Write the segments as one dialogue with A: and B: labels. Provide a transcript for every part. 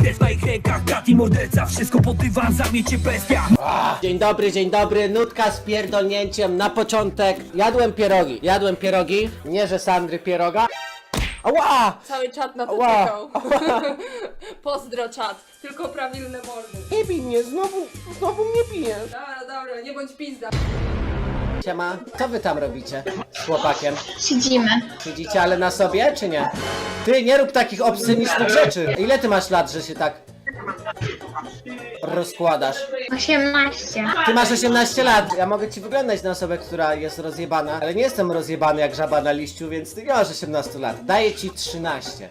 A: Idę w moich rękach, gat i morderca, wszystko pod dywan, zamiecie bestia.
B: Dzień dobry, nutka z pierdolnięciem na początek. Jadłem pierogi, nie że Sandry pieroga. Ała!
C: Cały czat na to
B: Ała.
C: czekał. Pozdro czat, tylko prawilne mordy.
B: Nie bij mnie, znowu mnie bijesz.
C: Dobra, nie bądź pizda.
B: Siema, co wy tam robicie z chłopakiem?
D: Siedzimy.
B: Siedzicie ale na sobie, czy nie? Ty, nie rób takich obscenicznych rzeczy. Ile ty masz lat, że się tak rozkładasz?
D: 18.
B: Ty masz 18 lat. Ja mogę ci wyglądać na osobę, która jest rozjebana, ale nie jestem rozjebany jak żaba na liściu, więc ty nie masz 18 lat. Daję ci 13.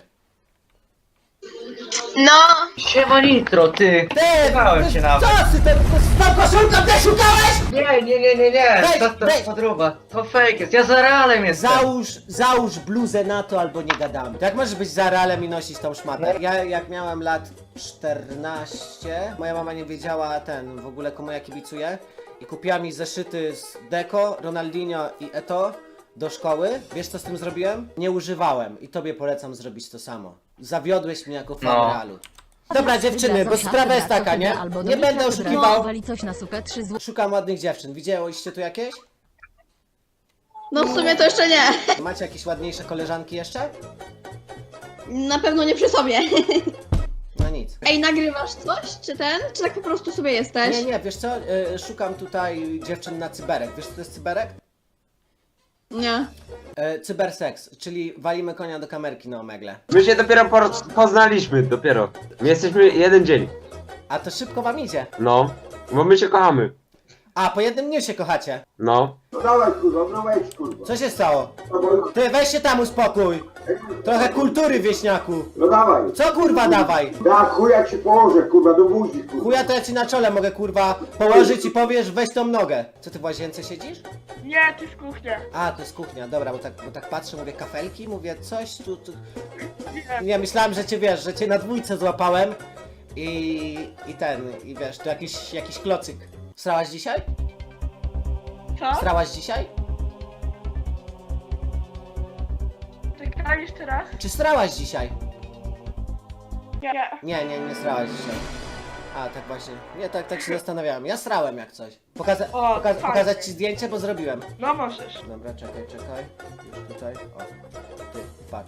D: No,
E: Siema Nitro, ty! Szukałem cię nawet.
B: Co ty, tą koszulką też szukałeś?
E: Nie,
B: Weź,
E: to
B: weź.
E: podróba, to fake jest, ja za realem jestem.
B: Załóż bluzę na to albo nie gadamy. Jak możesz być za realem i nosić tą szmatę? Ja jak miałem lat 14, moja mama nie wiedziała w ogóle komu ja kibicuję i kupiła mi zeszyty z Deco, Ronaldinho i Eto'o do szkoły. Wiesz co z tym zrobiłem? Nie używałem i tobie polecam zrobić to samo. Zawiodłeś mnie jako fan
E: No.
B: realu. Dobra dziewczyny, bo sprawa jest taka, nie? Nie będę oszukiwał.
F: Wali coś na sukę, 3 zł.
B: Szukam ładnych dziewczyn. Widziałyście tu jakieś?
G: No w sumie to jeszcze nie.
B: Macie jakieś ładniejsze koleżanki jeszcze?
G: Na pewno nie przy sobie.
B: No nic.
G: Ej, nagrywasz coś? Czy czy tak po prostu sobie jesteś?
B: Nie, wiesz co? Szukam tutaj dziewczyn na cyberek. Wiesz co to jest cyberek?
G: Nie.
B: Cyberseks, czyli walimy konia do kamerki na omegle.
H: My się dopiero poznaliśmy, dopiero. My jesteśmy jeden dzień.
B: A to szybko wam idzie.
H: No, bo my się kochamy.
B: A, po jednym dniu się kochacie.
H: No.
I: No dawaj kurwa, no wejdź kurwa.
B: Co się stało?
I: No, bo-
B: Ty, weź się tam uspokój. Trochę kultury, wieśniaku.
I: no dawaj.
B: Co kurwa dawaj?
I: Da chuja ci położę kurwa, do buzi kurwa.
B: Chuja to ja ci na czole mogę kurwa położyć i powiesz weź tą nogę. Co ty w łazience siedzisz?
C: Nie, to jest kuchnia.
B: A, to jest kuchnia, dobra, bo tak patrzę, mówię kafelki, mówię coś tu. Nie, myślałem, że cię wiesz, że cię na dwójce złapałem i wiesz, to jakiś klocyk. Srałaś dzisiaj?
C: Co?
B: Srałaś dzisiaj?
C: Czekaj jeszcze raz.
B: Czy srałaś dzisiaj?
C: Nie.
B: Nie srałaś dzisiaj. A, tak właśnie. Nie, tak się zastanawiałem. Ja srałem jak coś.
C: fajnie.
B: Pokazać ci zdjęcie, bo zrobiłem.
C: No możesz.
B: Dobra, czekaj. Już tutaj. O, ty, patrz.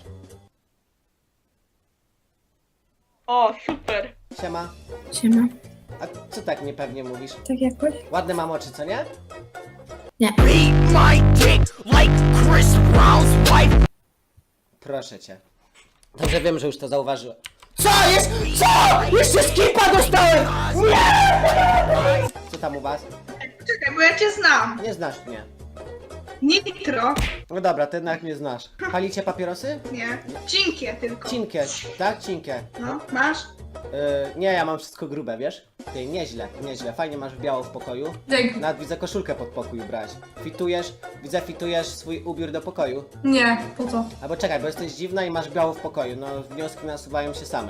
C: O, super.
B: Siema.
D: Siema.
B: A co tak niepewnie mówisz?
D: Tak jakoś?
B: Ładne mam oczy, co nie?
A: Beat my dick like Chris Brown's wife.
B: Proszę cię. Dobrze wiem, że już to zauważyłem. Co jest? Co? Jeszcze skipa dostałem! Nie! Co tam u was?
G: Czekaj, bo ja cię znam.
B: Nie znasz mnie.
G: Nitro.
B: No dobra, ty jednak mnie znasz. Palicie papierosy?
G: Nie. Cinkie tylko.
B: Cinkie, tak? Cinkie.
G: No, masz?
B: Nie, ja mam wszystko grube, wiesz? Ty, nieźle. Fajnie masz biało w pokoju.
C: Dzięki.
B: Nawet widzę koszulkę pod pokój brać. Fitujesz swój ubiór do pokoju.
C: Nie, po co?
B: Albo czekaj, bo jesteś dziwna i masz biało w pokoju. No, wnioski nasuwają się same.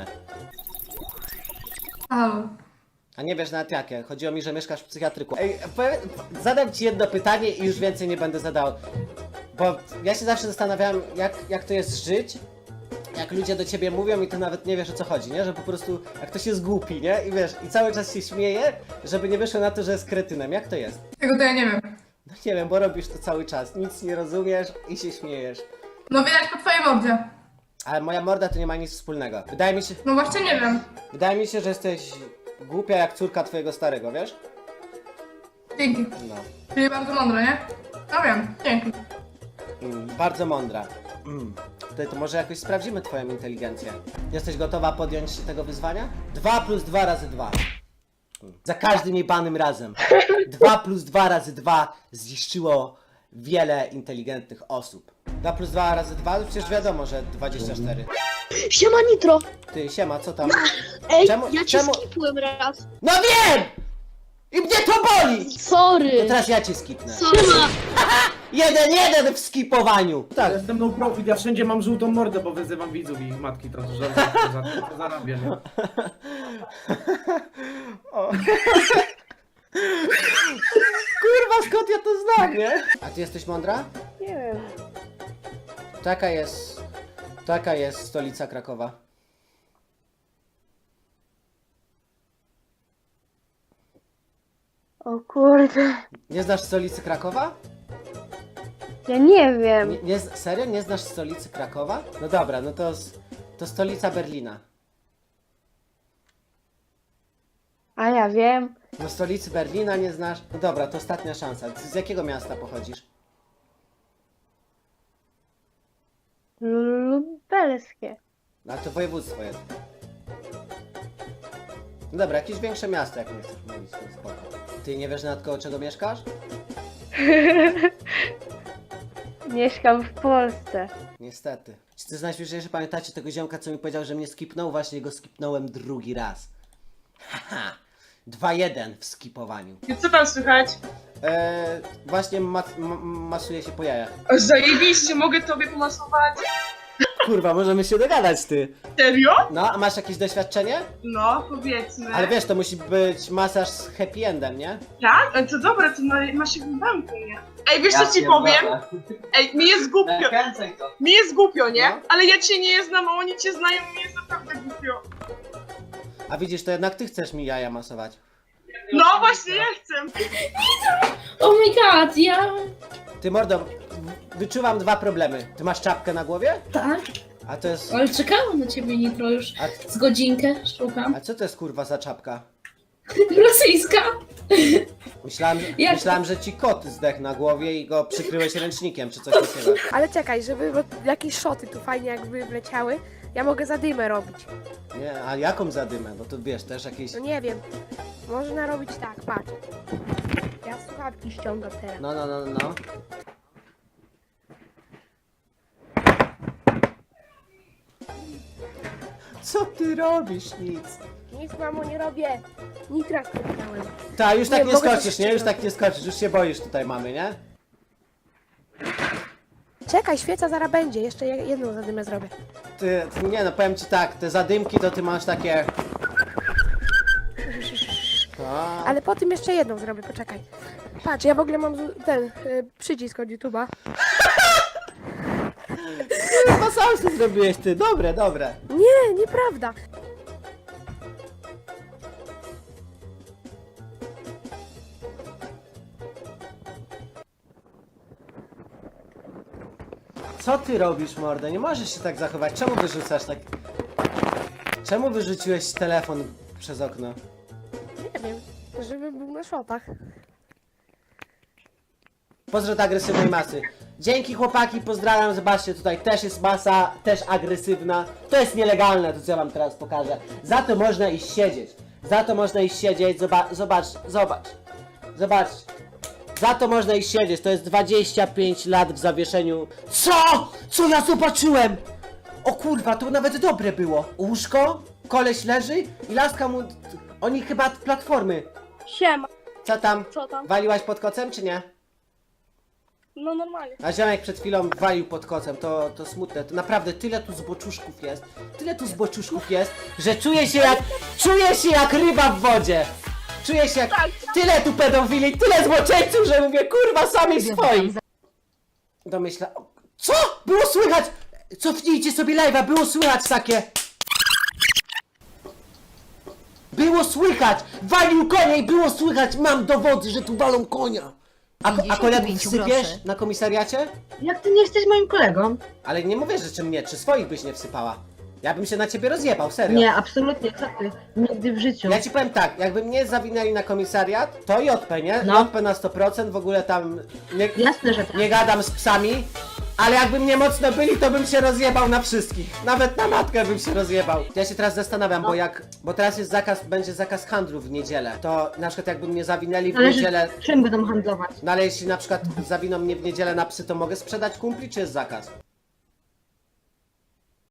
C: Halo.
B: A nie wiesz nawet jakie. Chodziło mi, że mieszkasz w psychiatryku. Ej, zadam ci jedno pytanie i już więcej nie będę zadał. Bo ja się zawsze zastanawiałem, jak to jest żyć, jak ludzie do ciebie mówią i ty nawet nie wiesz o co chodzi, nie? Że po prostu, jak ktoś jest głupi, nie? I wiesz, i cały czas się śmieje, żeby nie wyszło na to, że jest kretynem. Jak to jest?
C: Tego to ja nie wiem.
B: No nie wiem, bo robisz to cały czas. Nic nie rozumiesz i się śmiejesz.
C: No widać po twojej mordzie.
B: Ale moja morda to nie ma nic wspólnego.
C: No właśnie nie wiem.
B: Wydaje mi się, że jesteś głupia jak córka twojego starego, wiesz?
C: Dzięki.
B: No.
C: Czyli bardzo mądre, nie? No wiem, dzięki.
B: Bardzo mądra. To może jakoś sprawdzimy twoją inteligencję. Jesteś gotowa podjąć się tego wyzwania? 2 + 2 razy 2. Za każdym jebanym razem. 2 + 2 razy 2 zniszczyło wiele inteligentnych osób. 2 + 2 razy 2? Przecież wiadomo, że 24.
D: Siema Nitro.
B: Ty, siema, co tam?
D: Ej,
B: Czemu-
D: ja cię
B: czemu-
D: skipłem raz.
B: No wiem! I mnie to boli!
D: Sorry.
B: To teraz ja cię skipnę.
D: Siema.
B: 1-1 w skipowaniu! Tak.
J: Jestem no profit, ja wszędzie mam żółtą mordę, bo wyzywam widzów i ich matki to to zarabię, nie?
B: O. Kurwa, skąd ja to znam, nie? A ty jesteś mądra?
C: Nie wiem.
B: Taka jest stolica Krakowa.
D: O kurde.
B: Nie znasz stolicy Krakowa?
D: Ja nie wiem.
B: Serio? Nie znasz stolicy Krakowa? No dobra, no to stolica Berlina.
D: A ja wiem.
B: No stolicy Berlina nie znasz? No dobra, to ostatnia szansa. Z jakiego miasta pochodzisz?
D: Lubelskie.
B: No to województwo jest. No dobra, jakieś większe miasto, jak nie chcesz mówić, to spoko. Ty nie wiesz nawet koło czego mieszkasz?
D: Mieszkam w Polsce.
B: Niestety. Czy ty najśmieszniejsze pamiętacie tego ziomka, co mi powiedział, że mnie skipnął? Właśnie go skipnąłem drugi raz. Haha. 2-1 w skipowaniu.
F: I co tam słychać?
B: Właśnie masuje się po jajach.
F: Zajebiście, mogę tobie pomasować?
B: Kurwa, możemy się dogadać, ty.
F: Serio?
B: No, a masz jakieś doświadczenie?
F: No, powiedzmy.
B: Ale wiesz, to musi być masaż z happy endem, nie?
F: Tak? Ale to dobra, to masz się w banku, nie? Ej, wiesz co ci powiem? Ej, mi jest głupio.
E: Kręcaj to.
F: Mi jest głupio, nie?
B: No.
F: Ale ja cię nie znam, a oni cię znają, mi jest naprawdę głupio.
B: A widzisz, to jednak ty chcesz mi jaja masować.
F: No właśnie, ja chcę.
C: Oh my god, ja...
B: Ty mordo, wyczuwam dwa problemy. Ty masz czapkę na głowie?
C: Tak,
B: A to jest...
C: ale czekałam na ciebie, Nitro, już
B: A,
C: z godzinkę szukam.
B: a co to jest kurwa za czapka?
C: Rosyjska.
B: Myślałem, że ci kot zdechł na głowie i go przykryłeś ręcznikiem, czy coś takiego.
K: Ale czekaj, żeby bo jakieś szoty tu fajnie jakby wleciały, ja mogę zadymę robić.
B: Nie, a jaką zadymę? No to wiesz, też jakieś...
K: No nie wiem. Można robić tak, patrz. Ja słuchawki ściągam teraz.
B: No. Co ty robisz? Nic.
K: Nic, mamo, nie robię. Nitra sklepnąłem.
B: Ta, już tak nie
K: mogę
B: skoczysz,
K: coś
B: nie? Już
K: jeszcze
B: tak nie skoczysz, już się boisz tutaj mamy, nie?
K: Czekaj, świeca zaraz będzie. Jeszcze jedną zadymę zrobię.
B: Ty, nie no, powiem ci tak, te zadymki to ty masz takie... A,
K: Ale po tym jeszcze jedną zrobię, poczekaj. Patrz, ja w ogóle mam ten przycisk od YouTube'a.
B: chyba sam to zrobiłeś ty, dobre.
K: Nie, nieprawda.
B: Co ty robisz, mordę? Nie możesz się tak zachować. Czemu wyrzucasz tak... Czemu wyrzuciłeś telefon przez okno?
K: Nie wiem, żeby był na szotach.
B: Pozdro do agresywnej masy. Dzięki chłopaki, pozdrawiam, zobaczcie, tutaj też jest masa, też agresywna. To jest nielegalne, to co ja wam teraz pokażę. Za to można iść siedzieć. Zobacz. Za to można iść siedzieć, to jest 25 lat w zawieszeniu. Co? Co ja zobaczyłem? O kurwa, to nawet dobre było. Łóżko, koleś leży i laska mu... Oni chyba od platformy.
D: Siema.
B: Co tam?
D: Co tam?
B: Waliłaś pod kocem czy nie?
D: No normalnie.
B: A ziomek przed chwilą walił pod kocem, to smutne, to naprawdę tyle tu zboczuszków jest, że czuję się jak ryba w wodzie. Czuję się jak tyle tu pedofili, tyle zboczeńców, że mówię kurwa samych swoich. Domyśla... Co? Było słychać! Cofnijcie sobie live'a, było słychać takie... Było słychać! Walił konia i było słychać! Mam dowody, że tu walą konia! A kolegów wsypiesz na komisariacie?
G: Jak ty nie jesteś moim kolegą?
B: Ale nie mówię, że czy mnie, czy swoich byś nie wsypała. Ja bym się na ciebie rozjebał, serio.
G: Nie, absolutnie, co ty? Nigdy w życiu.
B: Ja ci powiem tak, jakby mnie zawinęli na komisariat, to JP, nie?
G: No.
B: JP na 100%, w ogóle tam
G: Jasne, że tak.
B: nie gadam z psami, ale jakby mnie mocno byli, to bym się rozjebał na wszystkich. Nawet na matkę bym się rozjebał. Ja się teraz zastanawiam, bo teraz jest będzie zakaz handlu w niedzielę. To na przykład jakby mnie zawinęli w
G: Zależy,
B: niedzielę,
G: czym będą handlować.
B: no ale jeśli na przykład zawiną mnie w niedzielę na psy, to mogę sprzedać kumpli, czy jest zakaz?